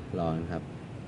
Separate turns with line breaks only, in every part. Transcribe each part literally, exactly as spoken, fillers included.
รอนะครับ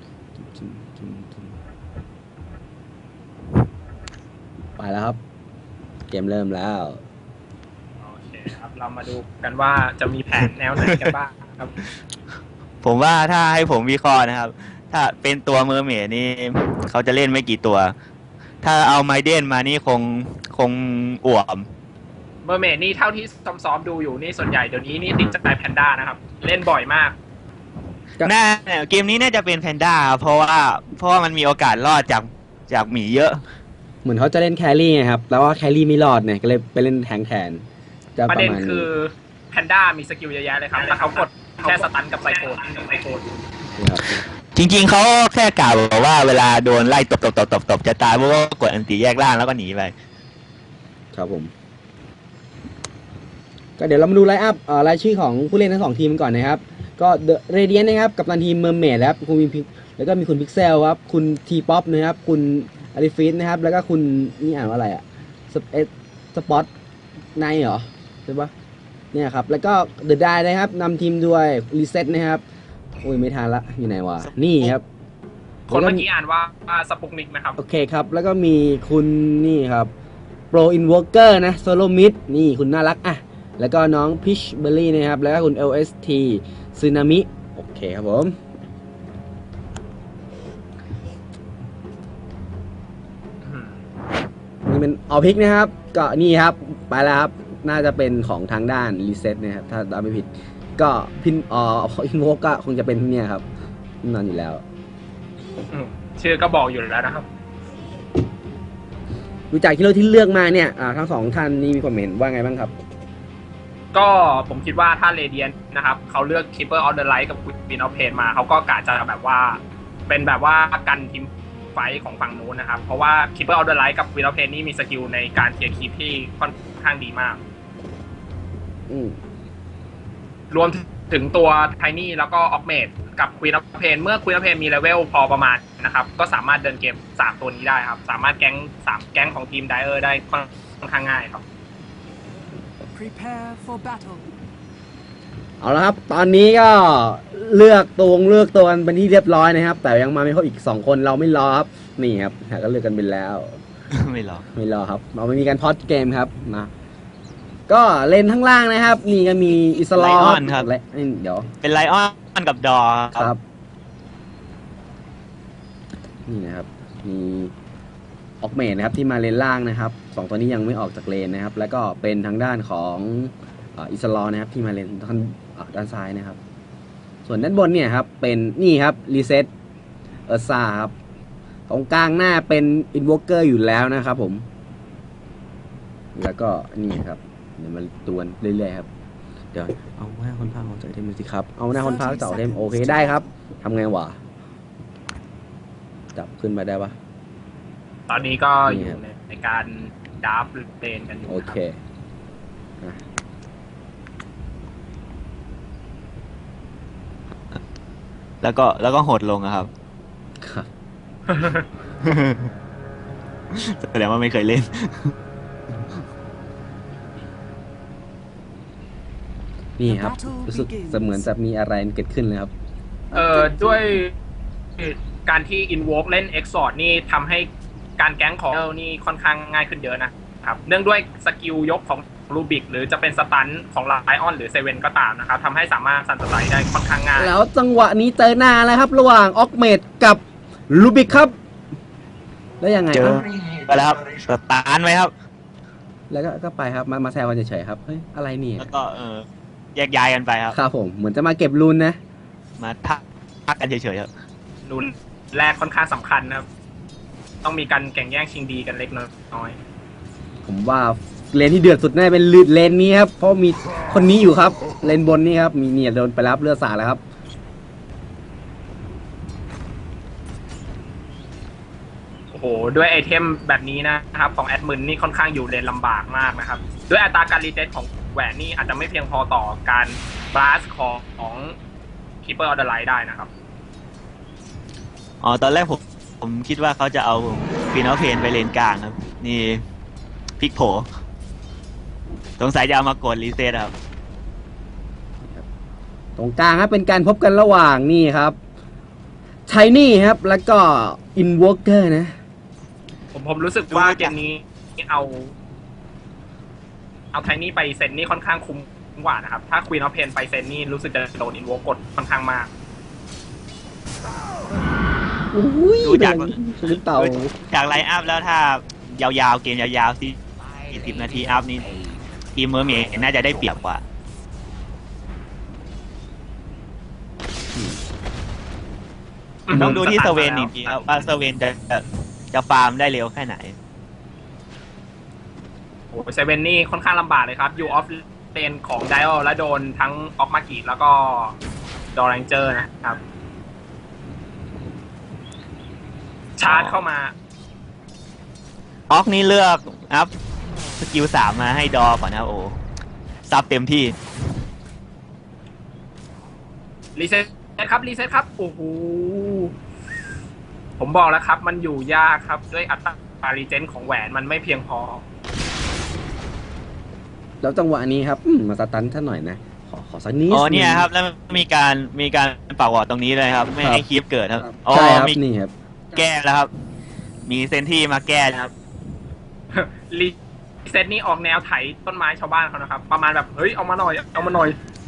ไปแล้วครับเกมเริ่มแล้ว
โอเคครับเรามาดูกันว่าจะมีแผนแนวไหนกันบ้างครับ
ผมว่าถ้าให้ผมวิเคราะห์นะครับถ้าเป็นตัวเมอร์เมดนี่เขาจะเล่นไม่กี่ตัวถ้าเอาไมเดนมานี่คงคงอ่วม
เมอร์เมดนี่เท่าที่ซ้อมๆดูอยู่นี่ส่วนใหญ่เดี๋ยวนี้นี่ติดใจแพนด้านะครับเล่นบ่อยมาก
น่าเกมนี้น่าจะเป็นแพนด้าเพราะว่าเพราะว่ามันมีโอกาสรอดจากจากหมีเยอะ
เหมือนเขาจะเล่นแครี่ไงครับแล้วว่าแครี่ไม่รอดเนี่ยก็เลยไปเล่นแทงแทน
ประเด็นคือแพนด้ามีสกิลเยอะแยะเลยครับแล้วเขากดแค่สตันกับไซโคนไซโคน
จริงๆเขาแค่กล่าวบอกว่าเวลาโดนไล่ตบตบตบตบตบจะตายเพราะว่ากดอันตีแยกล่างแล้วก็หนีไป
ครับผมก็เดี๋ยวเรามาดูไลน์อัพรายชื่อของผู้เล่นทั้งสองทีมก่อนนะครับก็เดอะเรเดียนนะครับกับตันทีมเมอร์เมดแล้วคุณมีแล้วก็มีคุณพิกเซลครับคุณทีป๊อปนะครับคุณอาริฟิสนะครับแล้วก็คุณนี่อ่านว่าอะไรอะสเปซสปอตไนเหรอใช่ปะเนี่ยครับแล้วก็เดอะไดนะครับนำทีมด้วยรีเซ็ตนะครับโอ้ยไม่ทันละอยู่ไหนวะนี่ครับ
คนเมื่อกี้อ่านว่าสปุกนิกนะครับ
โอเคครับแล้วก็มีคุณนี่ครับโปรอินวอร์เกอร์นะโซโลมิดนี่คุณน่ารักอ่ะแล้วก็น้องพิชเบอร์รี่นะครับแล้วก็คุณ แอล เอส ที ซึนามิโอเคครับผมนี่เป็นออพิกนะครับก็นี่ครับไปแล้วครับน่าจะเป็นของทางด้านรีเซ็ตนะครับถ้าจำไม่ผิดก็พินอออินโวก็คงจะเป็นเนี่ยครับนอนอยู่แล้ว
ชื่อก็บอกอยู่แล้วนะครับ
ดูจากที่เราที่เลือกมาเนี่ยทั้งสองท่านนี่มีความเห็นว่าไงบ้างครับ
ก็ผมคิดว่าถ้าเรเดียนนะครับเขาเลือก Keeper of the Light กับ Queen of Pain มาเขาก็กะจะแบบว่าเป็นแบบว่ากันทีมไฟของฝั่งนู้นนะครับเพราะว่า Keeper of the Light กับ Queen of Pain นี่มีสกิลในการเคลียร์คีปที่ค่อนข้างดีมากรวมถึงตัว Tiny แล้วก็ Augment กับ Queen of Pain เมื่อ Queen of Pain มีเลเวลพอประมาณนะครับก็สามารถเดินเกมสามตัวนี้ได้ครับสามารถแก๊งสามแก๊งของทีม Dire ได้ค่อนข้างง่ายครับ
Prepare for battle เอาละครับตอนนี้ก็เลือกตัวเลือกตัวกันเป็นที่เรียบร้อยนะครับแต่ยังมาไม่ครบอีกสองคนเราไม่รอครับนี่ครับก็เลือกกันไปแล้ว
ไม่รอ
ไม่รอครับเราไม่มีการพอดเกมครับนะก็เล่นทั้งล่างนะครับนี่ก็มีอิสลอ
มครับ
เดี๋ยว
เป็นไลออนกับดอ
ครับนี่นะครับมีออกเมทนะครับที่มาเลนล่างนะครับสองตัวนี้ยังไม่ออกจากเลนนะครับแล้วก็เป็นทางด้านของอิสลอนะครับที่มาเลนด้านด้านซ้ายนะครับส่วนด้านบนเนี่ยครับเป็นนี่ครับรีเซ็ตเออร์ซ่าครับตรงกลางหน้าเป็นอินวอร์เกอร์อยู่แล้วนะครับผมแล้วก็นี่ครับเดี๋ยวมาตวนเรื่อยๆครับเดี๋ยวเอาหน้าคนพากย์เอาใจเทมสิครับเอาหน้าคนพากย์เจ้าเทมโอเคได้ครับทำไงวะจับขึ้นมาได้ปะ
ตอนนี้ก็อยู่ในการดับเลนกันอยู่
โอเค
แล้วก็แล้วก็หดลงครับแสดงว่าไม่เคยเล่น
นี่ครับรู้สึกเสมือนจะมีอะไรเกิดขึ้นเลยครับ
เอ่อด้วยการที่ Invoke เล่น Exort นี่ทำให้การแก๊งของนี่ค่อนข้างง่ายขึ้นเยอะนะครับเนื่องด้วยสกิลยกของรูบิกหรือจะเป็นสตันของไลออนหรือเซเว่นก็ตามนะครับทำให้สามารถซันสไลด์ได้ค่อนข้างง่าย
แล้วจังหวะนี้เจอหน้าแล้วครับระหว่างออกเมดกับรูบิกครับแล้วยังไง
เจอไปแล้วครับสตาร์ทไหมครับ
แล้วก็ก็ไปครับมามาแซวกันเฉยๆครับเฮ้ยอะไรนี่
แล้วก็เออแยกย้ายกันไปครับ
ครับผมเหมือนจะมาเก็บรูนนะ
มาทักทักกันเฉยๆครับ
รูนแรกค่อนข้างสำคัญนะครับต้องมีการแข่งแย่งชิงดีกันเล็กน้อย
ผมว่าเลนที่เดือดสุดน่าจะเป็นเลนนี้ครับเพราะมีคนนี้อยู่ครับเลนบนนี่ครับมีเนี่ยโดนไปรับเลือดสาดแล้วครับ
โอ้โหด้วยไอเทมแบบนี้นะครับของแอดมินนี่ค่อนข้างอยู่เลนลำบากมากนะครับด้วยอัตราการรีเจนของแหวนนี่อาจจะไม่เพียงพอต่อการบลัสของของ Keeper of the Light ได้นะครับ
อ๋อตอนแรกผมผมคิดว่าเขาจะเอาฟีนอลเพนไปเลนกลางครับนี่พลิกโผสงสัยจะเอามากดรีเซ็ตครับ
ตรงกลางครับเป็นการพบกันระหว่างนี่ครับไทนี่ครับ แล้วก็อินวอ k เกอร์นะ
ผมผมรู้สึกว่าเกมนี้เอา เอาไทนี่ไปเซนนี่ค่อนข้างคุ้มกว่านะครับ ถ้าควีนออฟเพนไปเซนนี่รู้สึกจะโดนอินโวกดค่อนข้างมาก
อุ้ย
ดูจาก
ลูกเต่า
จากไลน์อัพแล้วถ้ายาวๆเกมยาวๆสิสิบนาทีอัพนี่ทีมเมอร์เมย์น่าจะได้เปรียบกว่า ต้องดูที่เซเวนอีกทีครับว่าเซเวนจะจะจะฟาร์มได้เร็วแค่ไหน
โอ้เซเว่นนี่ค่อนข้างลำบากเลยครับยูออฟเลนของไดโอและโดนทั้งออกมากิแล้วก็ดอร์แรงเจอร์นะครับ ชาร์จเข้ามา
ออกนี่เลือกอัพสกิลสามมาให้ดอก่อนนะครับโอ้ซับเต็มที่
รีเซ็ตครับรีเซ็ตครับโอ้โหผมบอกแล้วครับ มันอยู่ยากครับด้วยอัตรารีเจนของแหวนมันไม่เพียงพอ
แล้วจังหวะนี้ครับอืมมาสตันท่านหน่อยนะ ขอขอสักนิด
อ๋อเนี่ย
หง
ครับ แล้วมีการมีการปักวอร์ดตรงนี้เลยครับ ไม่
ครับ
ให้คลิปเกิดครับอ๋อ
ใช่ครับ
มี
นี่ครับ
แก้แล้วครับ มีเซนที่มาแก้นะครับ
รีเซ็ตนี่ออกแนวไถต้นไม้ชาวบ้านเขานะครับ ประมาณแบบ เฮ้ย เอามาหน่อย เอามาหน่อย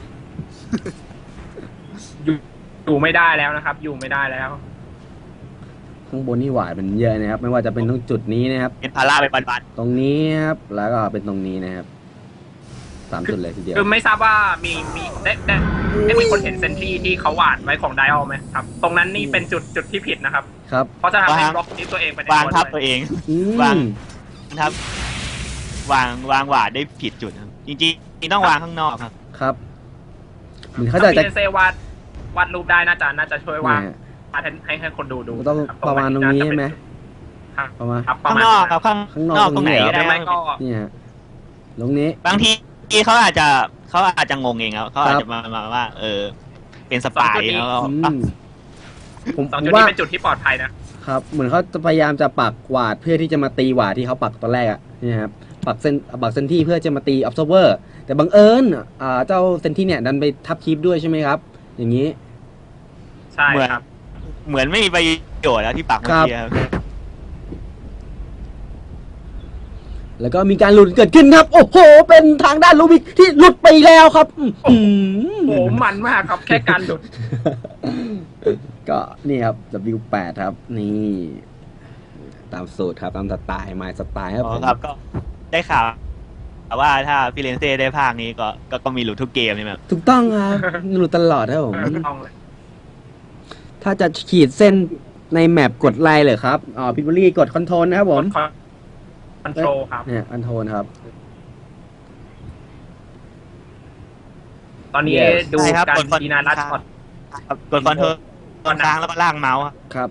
อยู่อยู่ไม่ได้แล้วนะครับ อยู่ไม่ได้แล้ว
ข้างบนนี่หวาดมันเยอะนะครับ ไม่ว่าจะเป็นตรงจุดนี้นะครับ
เป็นพาราไปบัน
ตรงนี้ครับ แล้วก็เป็นตรงนี้นะครับสามจุดเลยทีเดียว
คือไม่ทราบว่ามีมีได้ได้ได้มีคนเห็นเซนที่ที่เขาหวานไว้ของไดออลไหมครับ ตรงนั้นนี่เป็นจุดจุดที่ผิดนะครับ
ครับ
เพราะจะทำให้บล็อกที่ตัวเองไปใน
ๆวางทับ
ด้
ตัว วย เอง
อืม
วางทับวางวางหวาดได้ผิดจุดครับจริงๆต้องวางข้างนอกครับ
ครับเหมือนเขา
ถ้า
จะ
พี
จะ
เอเซวาดวาดรูปได้น่าจะน่าจะช่วยวาด
เนี่ย
วาดให้ให้ให้คนดูดู
ต้อง
คบ
ประมาณตรงนี้ใช่ไหม
ครับ
ประมาณ
ครับประ
ข้าง
มาณ
นอกครับข้าง
ข้างนอก
นอกตรงไหน
ตรงนี้เหรอ
ก็ได้
หรือไม่ก็
นี่ฮะตรงนี้
บางทีเขาอาจจะเขาอาจจะงงเองครับเขาอาจจะมามาว่า เออ เป็นสปายแล้วก็
อืมผม
สอง
ผม
จุด
ว่า
นี้เป็นจุดที่ปลอดภัยนะ
ครับ เหมือนเขาจะพยายามจะปักหวาดเพื่อที่จะมาตีหวาดที่เขาปักตอนแรกอะนี่ครับปักเส้นปักเซนที่เพื่อจะมาตี observer แต่บังเอิญอ่าเจ้าเซนที่เนี่ยดันไปทับคลิปด้วยใช่ไหมครับ อย่างนี้
ใช่
เหมือน
ครับ
เหมือนไม่มีประโยชน์แล้วที่ปักเมื่อกี้ครับ
แล้วก็มีการหลุดเกิดขึ้นครับ โอ้โห เป็นทางด้านลูบิกที่หลุดไปแล้วครับอื้อหือ
โอ้โหมันมากครับ แค่การหลุด
ก็นี่ครับ ดับเบิลยู แปด ครับ นี่ ตามสูตรครับ ตามสไตล์มายสไตล์ครับ
อ๋
ผ
อ
ม
ครับก็ได้ข่าวว่าถ้าฟิเรนเซ่ได้ภาคนี้ก็ก็ก็มีหลุดทุกเกมนี่แบบ
ถูกต้องครับ หลุดตลอดครับผม
ต้องเลย
ถ้าจะขีดเส้นในแมปกดไลน์เลยครับอ๋อพิบลี่กดคอนโทรลนะครับผม
คอนโทรลครับ
เนี่ยคอนโทรลครับ
ตอนนี้
Yes
ดู
ใช่ครับ
การ
กดคอน
ดีนารัดช็อต
ครับกดคอนโทรลตอนค้างแล้วก็ล่างเมาส์ครับ
ครับ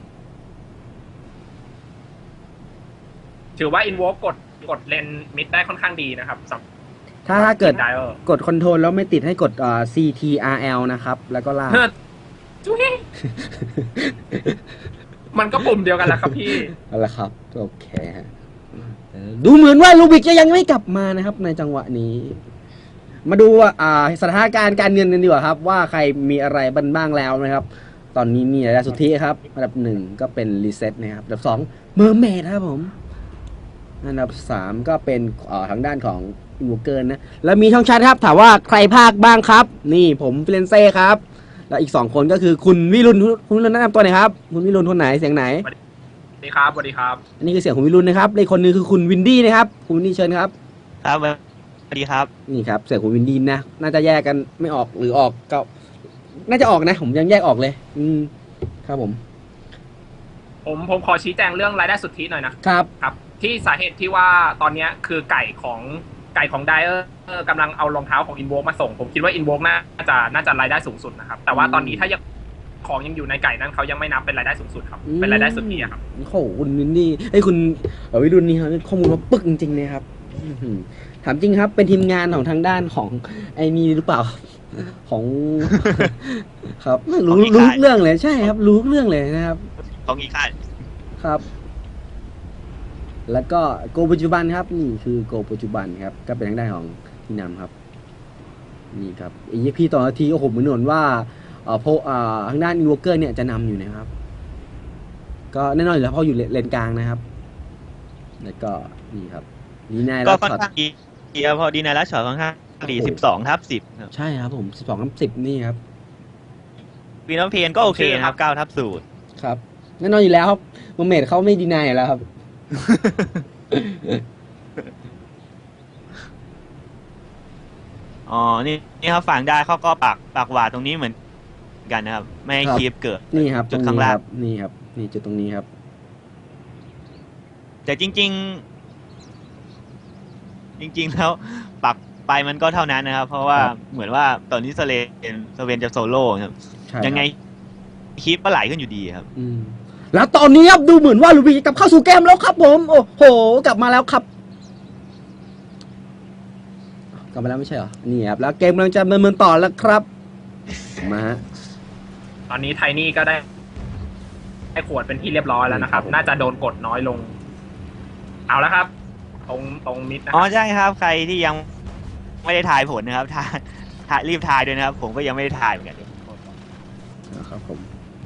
ถือว่าอินโวกดกดเลนมิดได้ค่อนข้างดีนะครับสำหรับ
ถ้าถ้าเกิด
ไดเออร์
กดคอนโทรลแล้วไม่ติดให้กดอ่า ซี ที อาร์ แอล นะครับ แล้วก็ลาก
เฮ้อจุ๊ยมันก็ปุ่มเดียวกันแหละครับพี่
เอาละครับ โอเคฮะเออดูเหมือนว่าลูบิกจะยังไม่กลับมานะครับ ในจังหวะนี้ มาดูว่าอ่าสถานการณ์การเงินกันดีกว่าครับ ว่าใครมีอะไรบ้างบ้างแล้วนะครับ ตอนนี้มีรายได้สุทธิครับ อันดับหนึ่งก็เป็นรีเซ็ตนะครับ อันดับสองเมอร์เมดครับผม อันดับสามก็เป็นเอ่อทางด้านของอินวเกอร์นะ แล้วมีช่องแชทครับ ถามว่าใครภาคบ้างครับ นี่ผมฟิเลนเซ่ครับ แล้วอีกสองคนก็คือคุณวิรุณคุณวิรุณแนะนำตัวหน่อยครับ คุณวิรุณคนไหนเสียงไหน
สวัสดีครับสวัสดีครับ
อันนี้คือเสียงของวิรุณนะครับและอีกคนนึงคือคุณวินดี้นะครับ คุณวินดี้เชิญครับ
ครับสวัสดีครับ
นี่ครับเสียงของวินดี้นะ น่าจะแยกกันไม่ออกหรือออกก็ น่าจะออกนะ ผมยังแยกออกเลย อืมครับผม
ผมผมขอชี้แจงเรื่องรายได้สุทธิหน่อยนะครับ ครับ ที่สาเหตุที่ว่าตอนเนี้ยคือไก่ของไก่ของไดเออร์กำลังเอารองเท้าของอินโวมาส่ง ผมคิดว่าอินโวน่าจะน่าจะรายได้สูงสุดนะครับ แต่ว่าตอนนี้ถ้ายังของยังอยู่ในไก่นั้นเขายังไม่นับเป็นรายได้สูงสุดครับ
อืม
เป็นรายได้สุทธิอะครับ
โอ้โหคุณวินดี้ไอ้ยคุณเอ่อวิรุณนี่ครับข้อมูลมาปึกจริงๆเลยครับอื้อหือถามจริงครับ เป็นทีมงานของทางด้านของไอ้นี่หรือเปล่า ของ ครับไม่รู้
ของอีก
รู้
ค่าย
เรื่องเลยใช่ครับ รู้เรื่องเลยนะครับ
ของอีกค่าย
ครับ แล้วก็โกปัจจุบันครับ นี่คือโกปัจจุบันครับ ก็เป็นทางด้านของพี่นำครับ นี่ครับอีพีต่อนาทีโอ้โหเหมือนเหมือนว่าเอ่อโพเอ่อทางด้านอินวอเกอร์เนี่ยจะนำอยู่นะครับ ก็แน่นอนอยู่แล้วเพราะอยู่เลนกลางนะครับ แล้วก็นี่ครับนี่นาย
ก็
รั
ค่อน
ช็อต
ข้างดีครับพอดีในรัชช็อตค่อนข้างดีสิบสองทับสิบครับ
ใช่ครับผมสิบสองทับสิบนี่ครับ
ปีน้องเพนก็โอเคนะครับเก้าทับศูนย์
ครับแน่นอนอยู่แล้วครับโมเมดเขาไม่ดีนายอยู่แล้วครับ
อ๋อ นี่นี่ครับฝั่งได้เขาก็ปักปักหวาดตรงนี้เหมือนกันนะครับ ไม่ให้
ครับ
คีบเกิด
นี่ครับ
จุด
ตร
ข้าง
นี้
ล่าง
ครับนี่ครับ นี่จุดตรงนี้ครับ
แต่จริง ๆ จริง ๆ แล้วปักไปมันก็เท่านั้นนะครับ เพราะว่า
ครับ
เหมือนว่าตอนนี้สเลนสเวนจะโซโล่ครับ
ใช่
ยังไง
ครับ
คีบก็ไหลขึ้นอยู่ดีครับ
อืมแล้วตอนนี้ครับดูเหมือนว่าลูบี้จะกลับเข้าสู่เกมแล้วครับ ผม โอ้โหกลับมาแล้วครับ กลับมาแล้วไม่ใช่เหรอนี่ครับแล้วเกมกำลังจะดำเนินต่อแล้วครับมาฮะ
ตอนนี้ไทนี่ก็ได้ได้ขวดเป็นที่เรียบร้อยแล้วนะครับ
ครับผม
น่าจะโดนกดน้อยลง เอาแล้วครับ ตรงตรงมิดนะค
อ๋อ
รับ
ใช่ครับ ใครที่ยังไม่ได้ทายผลนะครับทายทายรีบทายด้วยนะครับ ผมก็ยังไม่ได้ทายเหมือนกัน
นะครับผม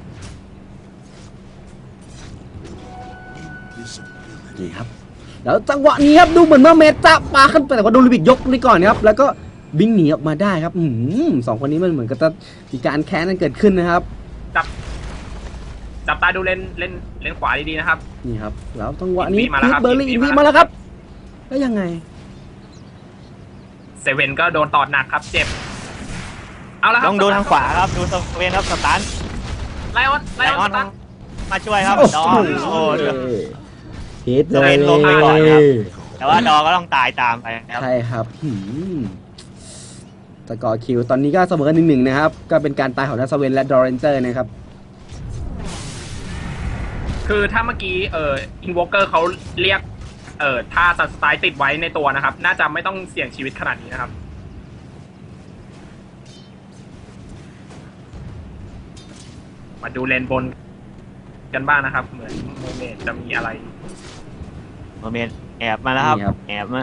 นี่ครับ แล้วจังหวะนี้ครับดูเหมือนว่าเมตจะปาขึ้นไปแต่ว่าโดนลูบิกยกนี่ก่อนนะครับ แล้วก็บิงหนีออกมาได้ครับ อืมสองคนนี้มันเหมือนกับจะมีการแค้นกันเกิดขึ้นนะครับ
จับจับตาดูเล่นเล่นเล่นขวาดีๆนะครับ
นี่ครับ แล้วจังหวะนี้
อินวีมาแล้ว
พี
ครั
ท
บ
เบอร์รี่
อิ
อิน
นวี
วี
มา
มา
แล้
แล้ว วครับ แล้วยังไง
เซเว่นก็โดนตอดหนักครับ เจ็บ เอาแล้วครับ
ต้องดูทางขวาครับ ดูสเวนครับสตัน
ไลออนไล
ไล
อ
อ
อ
อน น
สตัน
มาช่วยครับ
โอ้
ดอ
โห
โอ้เดือด
พีท
จะเป็นลมไปก่อนครับ แต่ว่าดอก็ต้องตายตามไปครับ
ใช่ครับหืมสกอร์คิวตอนนี้ก็เสมอกันหนึ่งหนึ่งนะครับ ก็เป็นการตายของนัสเวนและดอเรนเจอร์นะครับ
คือถ้าเมื่อกี้เอ่ออินวอเกอร์เขาเรียก เอ่อท่าสไตล์ติดไว้ในตัวนะครับ น่าจะไม่ต้องเสี่ยงชีวิตขนาดนี้นะครับ มาดูเลนบนกันบ้างนะครับ เหมือนโมเมนต์จะมีอะไร
โมเมนต์แอบมาแล้วครับ
นี่ครับ
แอบมา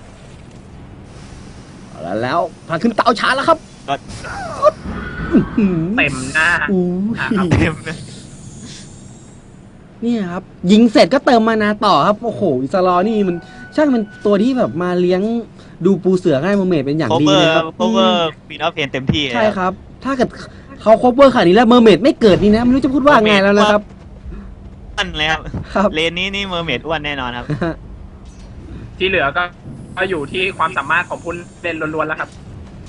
เอาละแล้วผ่านขึ้นเตาช้าแล้วครับ
ก็
อื้อหือ
เต็มหน้า
อู้
อ่ะครับ
เต็มเลย
เนี่ยครับ ยิงเสร็จก็เติมมานาต่อครับ โอ้โห อิสลอนี่มันช่างเป็นตัวที่แบบมาเลี้ยงดูปูเสือให้โมเมดเป็นอย่าง
โค
ดี
เวอ
เลย
ร์
ครับ
โคเวอร์ปีนอฟเพนเต็มที่เลย
ใช่ครับ ถ้าเกิดเขาครบเวอร์ขนาดนี้แล้วเมอร์เมดไม่เกิดนี่นะไม่รู้จะพูดว่าไงแล้วนะครับ
อ้วนเลยครับ
ครับ
เลนนี้นี่เมอร์เมดอ้วนแน่นอนครับ
ที่เหลือก็ก็อยู่ที่ความสามารถของผู้เล่นล้วนๆแล้วครับ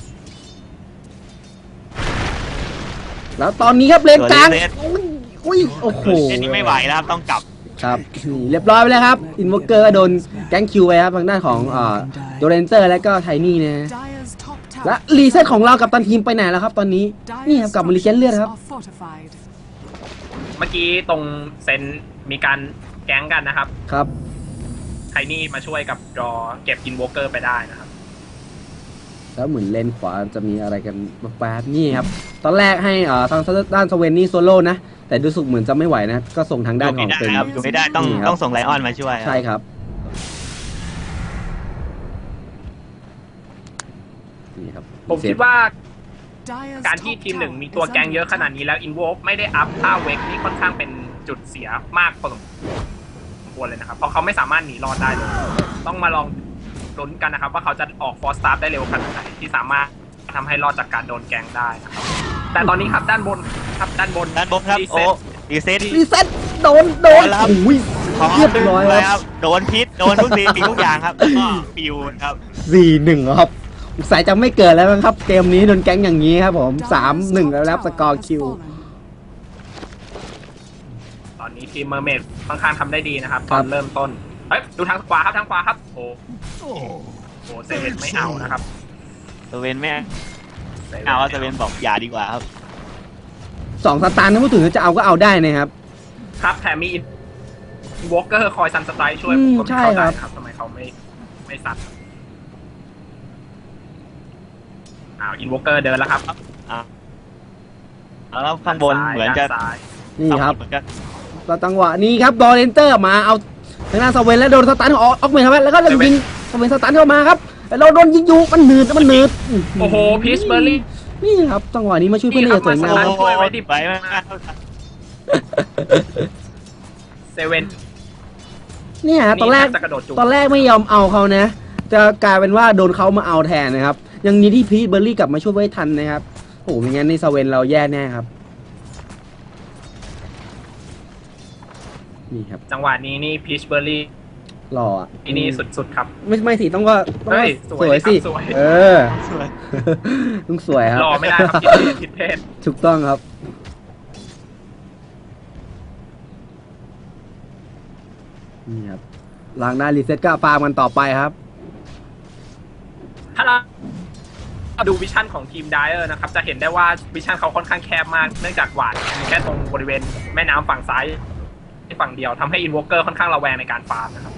แล้วตอนนี้ครับเลนกลาง
ตัวเลน
อุ้ยอุ้ยโอ้โห
เลนนี้ไม่ไหวแล้วครับต้องกลับ
ครับนี่เรียบร้อยไปแล้วครับ อินวอเกอร์ก็โดนแก๊งคิวไปครับทางด้านของอ่าโดเรนเจอร์และก็ไทนี่นะ และรีเซ็ตของเรากับตันทีมไปไหนแล้วครับตอนนี้ นี่ครับกลับมารีเซ็ตเลือดครับ
เมื่อกี้ตรงเซนมีการแก๊งกันนะครับ
ครับ
ไทนี่มาช่วยกับรอเก็บอินวอเกอร์ไปได้นะครับ
แล้วเหมือนเลนขวาจะมีอะไรกันแป๊บๆนี่ครับ ตอนแรกให้อ่าทางด้านสเวนนี่โซโล่นะ แต่ดูสุกเหมือนจะไม่ไหวนะ ก็ส่งทาง
อ
ด้าน
ยู่
ข
ไม่
อง
ได้
เป็น
ครับอยู่ไม่ได้ต้อง
นี่ครับ
ต้องส่งไลออนมาช่วยครับ
ใช่ครับนี่ครับ
ผมคิดว่าการที่ทีมหนึ่งมีตัวแก๊งเยอะขนาดนี้แล้วอินวอไม่ได้อัพท่าเวกนี่ค่อนข้างเป็นจุดเสียมากพอสมควรเลยนะครับ เพราะเขาไม่สามารถหนีรอดได้เลย ต้องมาลองลุ้นกันนะครับ ว่าเขาจะออกฟอร์สตาร์ได้เร็วขนาดไหนที่สามารถทำให้รอดจากการโดนแก๊งได้นะครับ แต่ตอนนี้ครับด้านบนครับด้านบน
ด้านบนครับ
รี
โอ้
เซ็ต
รีเซ็ต
รีเซ็ตโดนโดน
เอาละครับ
โอ้ย
พร้อม
เรียบร้อย
เล
แล้
ยว ครับโดนพิษโดนทุกสิ่งทุกอย่างครับแล้วก็ปิวครับ
สี่หนึ่งครับสายจะไม่เกิดแล้วมั้งครับ เกมนี้โดนแก๊งอย่างนี้ครับผมสามหนึ่งแล้วรับสกอร์คิว
ตอนนี้ทีมเมอร์เมดค่อนข้างทำได้ดีนะครับ
ค
ต
รั
อบ นเริ่มต้นเฮ้ยดูทางขวาครับทางขวาครับโอ้โหเซเว่นไม่เอานะครับ
สเวนแม่เอาว่าสเวนบอกอย่าดีกว่าครับ
สองสตาร์ถ้าพูดถึงจะเอาก็เอาได้นะครับ
ครับแถมมีอินวอล์กเกอร์คอยซันสไตล์ช่วย
อื
ผม
ม
ก็ไม่
ใช่
เข้าใจ
ครับ
นะครับทำไมเขาไม่ไม่ซัดอ้าวอินวอล์กเกอร์เดินแล้วครับ
อ่ะแล้วข้างบนเหมือนจะ
ด้าซ้าย
นี่ครับ
เหมือนจะ
แล้วจังหวะนี้ครับดอเรนเตอร์มาเอาทางด้านสเวนแล้วโดนสตันของออกเมนครับแล้วก็ยิงสเวนสตันเข้ามาครับแล้วเราโดนยิงอยู่มันหนืดมันหนืด
โอ้โหพีชเบอร์รี่
นี่ครับจังหวะนี้มาช่วยเพื่อนได้อย่างสวยงาม
นี่ครับ
โอ้โหไปมาก
เซเว่น
เนี่ยตอนแรก
จะกระโดดจูบ
ตอนแรกไม่ยอมเอาเขานะ จะกลายเป็นว่าโดนเขามาเอาแทนนะครับ ยังนี้ที่พีทเบอร์รี่กลับมาช่วยไว้ทันนะครับโอ้โหไม่งั้นในสเวนเราแย่แน่ครับนี่ครับ
จังหวะนี้นี่พีชเบอร์รี่
หล่ออ่ะ
ที่นี่สุดๆครับ
ไม่ไม่สิต้องก็ต้อง
เฮ้
ก็
ย
สวยสิ
สวยครับสวย
เออ
สวย
ต้องสวยครับ
รอไม่ได้ครับผิดเพศผิดเพศ
ถูกต้องครับนี่ครับหลังหน้ารีเซ็ตก็ฟาร์มกันต่อไปครับ
ถ้าเราดูวิชั่นของทีมไดเออร์นะครับจะเห็นได้ว่าวิชั่นเขาค่อนข้างแคบมากเนื่องจากหวาดมีแค่ตรงบริเวณแม่น้ำฝั่งซ้ายฝั่งเดียวทำให้อินวอเกอร์ค่อนข้างระแวงในการฟาร์มนะครับ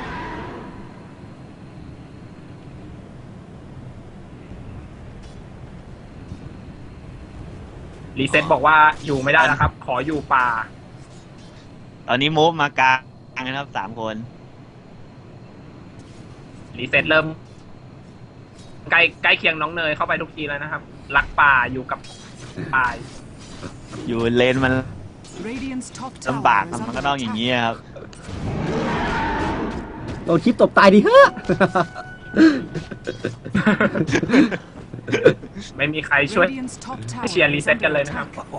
รีเซ็ตบอกว่าอยู่ไม่ได้แล้วครับ ขออยู่ป่า
ตอนนี้มูฟมากลางนะครับสามคน
รีเซ็ตเริ่มใกล้ใกล้เคียงน้องเนยเข้าไปทุกทีแล้วนะครับรักป่าอยู่กับป่า
อยู่เลนมัน
Radiant's top
ลำบาก
tower
ครับ
is
มันก็
under
ต้องอย่าง
attack.
นี้ครับ
โดนคลิปตบตายดิเฮ้อ
ไม่มีใครช่วย
Radiant's top
ให้
tower
เชียร์รี
is
เซ็ต
under
กันเลยนะครับ
attack.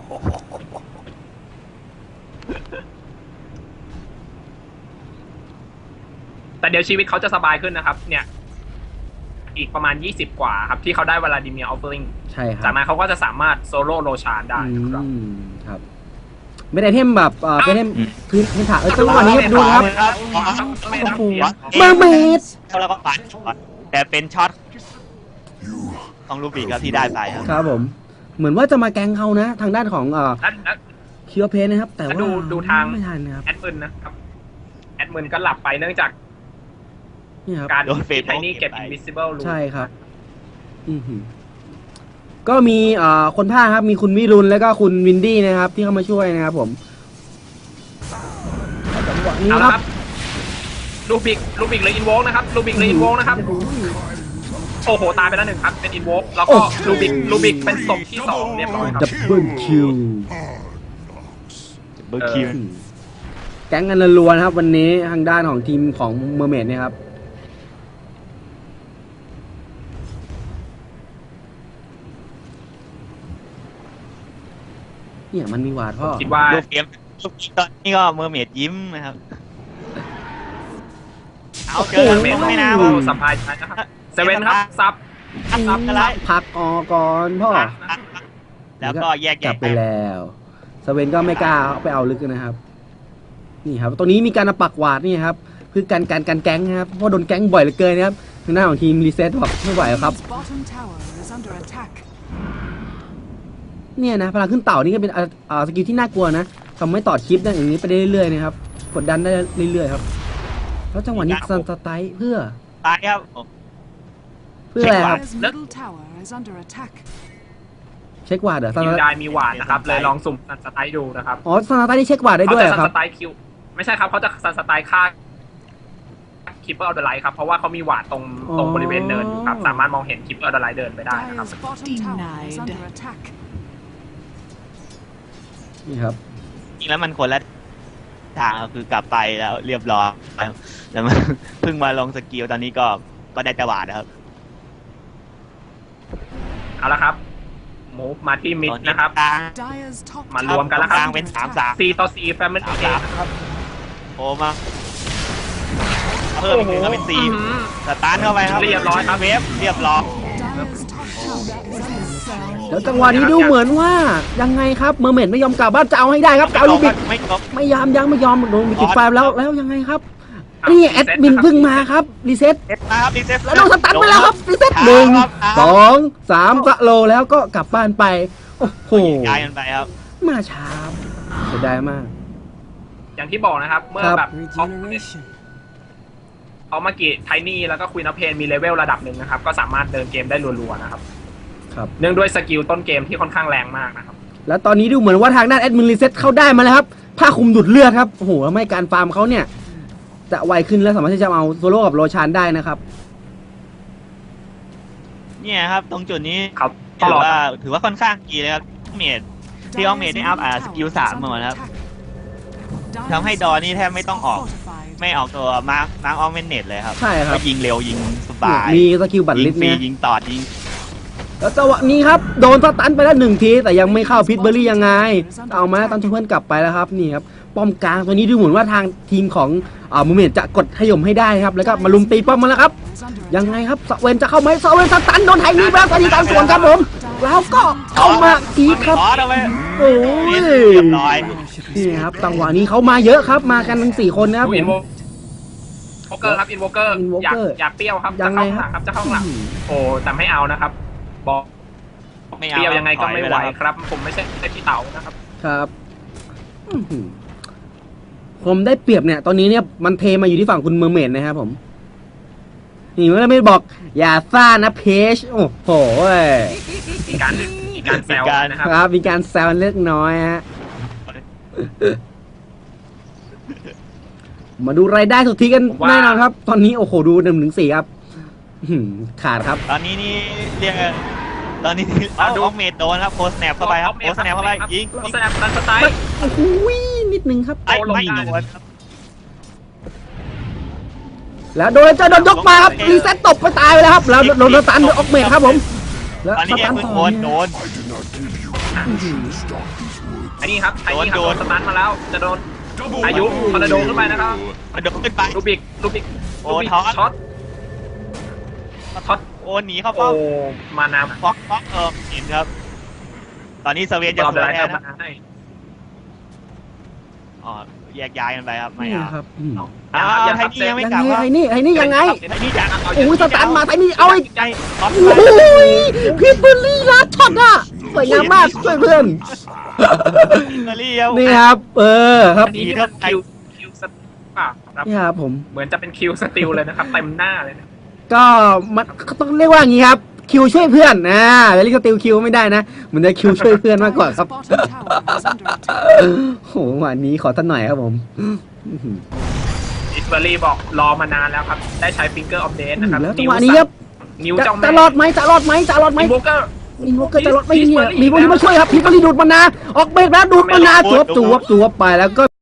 แต่เดี๋ยวชีวิตเขาจะสบายขึ้นนะครับ เนี่ย อีกประมาณยี่สิบกว่าครับ ที่เขาได้วลาดิเมียร์ออฟเฟอริง
ใช่ครั
จา
บ
กนั้นเขาก็จะสามารถโซโล่โรชานได้
อื
นะครับ
มครับไม่ได้เทมแบบเอ่อเป็นเทม
อืม
พื้นพื้นฐานเออจังหวะนี้ครับดูครับ
ครับ
ไม่ต้อง
โอ้โห
เสีย
เมอร์เมด
แล้วก็ปัดช็อตแต่เป็นช็อตของลูบิกครับที่ได้ไปครับ
ครับผม เหมือนว่าจะมาแกงเขานะ ทางด้านของเอ่อ
แล้วแล้ว
คิวเพนนะครับ แต่ว่า
ดูดูทาง
ไม่ทันนะครับ
แอดมินนะครับ แอดมินก็หลับไปเนื่องจาก
นี่ครับ
การ
โดนเฟ
ที่
ซ
ไทนี่เก็บ
เก็บไป
invisible รู
ใช่ครับ อือหือก็มีเอ่อคนภาคครับมีคุณวิรุณแล้วก็คุณวินดี้นะครับ ที่เข้ามาช่วยนะครับผมจังหวะนี้
เอา
ค
ละ
รับ
ครับลูบิกลูบิกเลยอินโวกนะครับลูบิกเลยอินโวกนะครับ โอ้โห ตายไปแล้วหนึ่งครับ เป็นอินโวกแล้วก็ลูบิกลูบิกเป็นศพที่สองเรียบร้อยครับ
ดับเบิลคิว
เบอร์คิว
แก๊งกันรัวๆนะครับ วันนี้ทางด้านของทีมของเมอร์เมดเนี่ยครับ เนี่ยมันมีหวาดพ่อ
คิดว่า
ลูกเกมลูกตอนนี้ก็เมอร์เมดยิ้มนะครับ เอาเจอ
โอ้โห
เม
ไม่
ไม่
น่า
น่า
โอ้
ว่า
สบายใจนะครับเซเว่นครับซับ
ซับกันแล้ว
พักออกก่อนพ่อ
แล้วก็แยก
กลั
แยะ
บไปแล้วสเวนก็ไม่กล้าไปเอาลึกนะครับ นี่ครับตัวนี้มีการปักหวาดนี่ครับคือการการการแก๊งนะครับเพราะโดนแก๊งบ่อยเหลือเกินนะครับทางหน้าของทีมรีเซ็ตบอกไม่ไหวแล้วครับ
Radiant's bottom tower is under attack.
เนี่ยนะพลังขึ้นเต่านี่ก็เป็นอ่าอ่าสกิลที่น่ากลัวนะทำให้ต่อคลิปได้อย่างนี้ไปได้เรื่อยๆนะครับกดดันได้เรื่อยๆครับแล้วจังหวะนี้ซันสไตล์เพื่อ
ตายครับ
เพื่ออะไรครับ
Dire's middle tower is under attack.
เช็คหวาดเหรอซัน
ทีม
สไต
ได้
ล์
มีหวานนะครับ เลยลองสุ่มซันสไตล์ดูนะครับ
อ๋อซันสไตล์นี่เช็คหวาดได้
เขา
ด้วยเหร
จะ
อ
ซัน
ครับ
สไตล์คิว ไม่ใช่ครับเขาจะซันสไตล์ฆ่าคิปเปอร์ออเดอร์ไลท์ครับ เพราะว่าเขามีหวานตรงตรงบริเวณเนินอยู่ครับ สามารถมองเห็นคิปเปอร์ออเดอร์ไลท์เดินไปได้นะครับ
Dire's bottom tower is
Denied.
under attack.
นี่ครับ
จริงแล้วมันคนละทางครับคือกลับไปแล้วเรียบร้อยครับแล้วมัน เพิ่งมาลงสกิลตอนนี้ก็ก็ได้จังหวะนะครับ
เอาละครับมูฟมาที่มิด
ตอนนี้
นะครับ
กลาง
Dire's top
มาร
tower
วมกันแล้วครับ
is
กลาง
under
เป็นสาม
attack.
สาม
สี่ต่อสี่แฟมิ
สาม
ลี่
สามครับโอ้มาเพิ่มอีกหนึ่งก็เป็นสี่สตาร์ทเข้าไปครับ
เรียบร้อยครับ
เวฟเรียบร้อย
Dire's top tower is under attack.
แล้วจังหวะนี้ดูเหมือนว่ายังไงครับเมอร์เมดไม่ยอมกลับบ้านจะเอาให้ได้ครับจะเอาลูกบิด
ไม่จบ
ไม่ยอมยังไม่ยอมโดนมีกิดไฟแล้วแล้วยังไงครับนี่แอดมินเพิ่งมาครับรีเซ็ต
เซ็ตมาครับรีเซ็ต
แล้วโดนสตันไปแล้วครับรีเซ็ตหนึ่งสองสามสโลแล้วก็กลับบ้านไปโอ้โห
ย้ายกันไปครับ
มาช้าเสียดายมาก
อย่างที่บอกนะครับ เมื่อ
ครับ
แบบเขาเขามากิไทนี่แล้วก็คุยนัเพนมีเลเวลระดับหนึ่งนะครับ ก็สามารถเดินเกมได้รัวๆนะครับ
ครับ
เนื่องด้วยสกิลต้นเกมที่ค่อนข้างแรงมากนะครับ
แล้วตอนนี้ดูเหมือนว่าทางด้านแอดมินรีเซ็ตเข้าได้มาแล้วครับผ้าคลุมดูดเลือดครับโอ้โหทำให้การฟาร์มเขาเนี่ยจะไวขึ้นและสามารถที่จะเอาโซโล่กับโรชานได้นะครับ
เนี่ยครับ ตรงจุดนี้
ครับ
ถือว่าถือว่าค่อนข้างดีเลยครับเมด ที่ออกเมดได้อัพอ่าสกิลสามมาหมดครับทำให้ดอนี่แทบไม่ต้องออก ไม่ออกตัวมาร์คมาร์คออฟเมนเนตเลยครับ
ใช่ครับ
ก็ยิงเร็วยิงสบาย
มีสกิลบัตร
ยิ
ลิ
ง
สต์
ฟรี
เนี่ย
ยิงตอดยิง
แล้วจังหวะนี้ครับโดนสตันไปแล้วหนึ่งทีแต่ยังไม่เข้าพิทเบอร์รี่ยังไงเอามาตันเพื่อนกลับไปแล้วครับนี่ครับป้อมกลางตัวนี้ดูเหมือนว่าทางทีมของอ่ามูเมนจะกดขย่มให้ได้ครับแล้วก็มาลุมตีป้อมมาแล้วครับยังไงครับสเวนจะเข้าไหมสเวนสตันโดนไทนี่ไปแล้วตอนนี้ตามสวนครับผมแล้วก็เข้ามาอีกครับ
อ๋อทำไม
โอ้ย
เรียบร้อย
นี่ครับจังหวะนี้เขามาเยอะครับมากันทั้งสี่คนนะครับ
ดู
ผ
อิน
ม
โวเกอร์ครับอินโวเกอร์อยาก
Invoker
อยากเปรี้ยวครับ
ยั
จะ
งไง
เข้า
ค
ข้างห
รับ
ลังครับจะเข้าข้างหลังโอ้แต่ไม่เอานะครับ บอก
ไม่
เปรี้ยวยังไงก็ไม่ไหว
ถอยป
ครับ ผมไม่ใช่พี่เต๋านะครับ
ครับอื้อหือผมได้เปรียบเนี่ย ตอนนี้เนี่ยมันเทมาอยู่ที่ฝั่งคุณเมอร์เมดนะครับผมนี่เมื่อไม่บอก อย่าซ่านะเพจโอ้โห
มีการมีการแซวนะครับ
ครับมีการแซวเล็กน้อยฮะมาดูรายได้สุทธิกัน
ผมว่า
แน่นอนครับ ตอนนี้โอ้โหดูหนึ่งถึงสี่ครับอื้อหือขาดครับ
ตอนนี้นี่เรียกตอนนี้เอาออกเมดโดนครับโพสแนปเข้าไปครับโพสแนปเข้าไปยิง
โพ
ยิง
สแนปดันสไตล์
โอ้โหนิดนึงครับ
ไอ้
ลง
ไม่
ได้
โดนครับ
แล้วโดนเจ้าโดนยกมาครับรีเซ็ตตบไปตายไปแล้วครับแล้วโดนสตันโดนออกเมดครับผมแล้ว
ตอน
ส
นี้เอ็
ตั
ม
น
เพิ่ง
ต่
โด
อน
โด
เนี่ย
น
ไอ้นี่ครับไอ้นี่ครับ
โด
โด
น
นสตันมาแล้ว จะโดนอายุคอร์โดขึ้นไปนะครับ
มันโดนขึ้นไป
ลูบิกลูบิก
โอ้
ลูบิก
ท็อต
ช็อตช็อต
โอ้หนีเข้า
โอ้
ป้อม
มานา
ฟ็อกฟ็อกเออเห็นครับ ตอนนี้เซเวียนจะ
รอบ
ส
เดื
ว
อย น
แท
ให้
น
มา
นะ
ให้
อ๋อแยกย้ายกันไปครับไม่
นี่
เอา
ครับอืม
อ้าว
ยัง
ไท
ครับ
นี่ยังไม่
ยัง
กลับ
ไง
ว่า
ไอ้นี่ไอ้นี่ยังไง
ไทนี่จะ
โอ้ยสตันมาไอ้นี่เอาไอ้
ใจท็อป
โอ้ยพี่เบอร์รี่ลัดช็อตอ่ะสวยงามมากช่วยเพื่อน
เบอร์รี่ครับ
นี่ครับ เออครับ
อันนี้นี่เป็นคิวคิวสติลเปล่าครับ
นี่ครับผม
เหมือนจะเป็นคิวสติลเลยนะครับเต็มหน้าเลยนะ
ก็มันก็ต้องเรียกว่าอย่างนี้ครับคิวช่วยเพื่อนนะเวลิกติวคิวไม่ได้นะเหมือนจะคิวช่วยเพื่อนมากกว่าครับ
Bottom tower is under attack.
โหวันนี้ขอท่านหน่อยครับผม
อิสเบอรี่บอกรอมานานแล้วครับ ได้ใช้ฟิงเกอร์ออฟเดนนะครับ
แล้วจังหวะนี้ครับ
นิ้ว
จะ
เจ้าแม่
จะรอดไหมจะรอดไหมจะรอดไหม
อินโวเกอร์
อินโวเกอร์จะรอดไหมเนี่ยมีพวกนี้มาช่วยครับพี่เบอร์รี่ดูดมานาออกเบรกแล้วดูดมานาจวบจวบจวบไปแล้วก็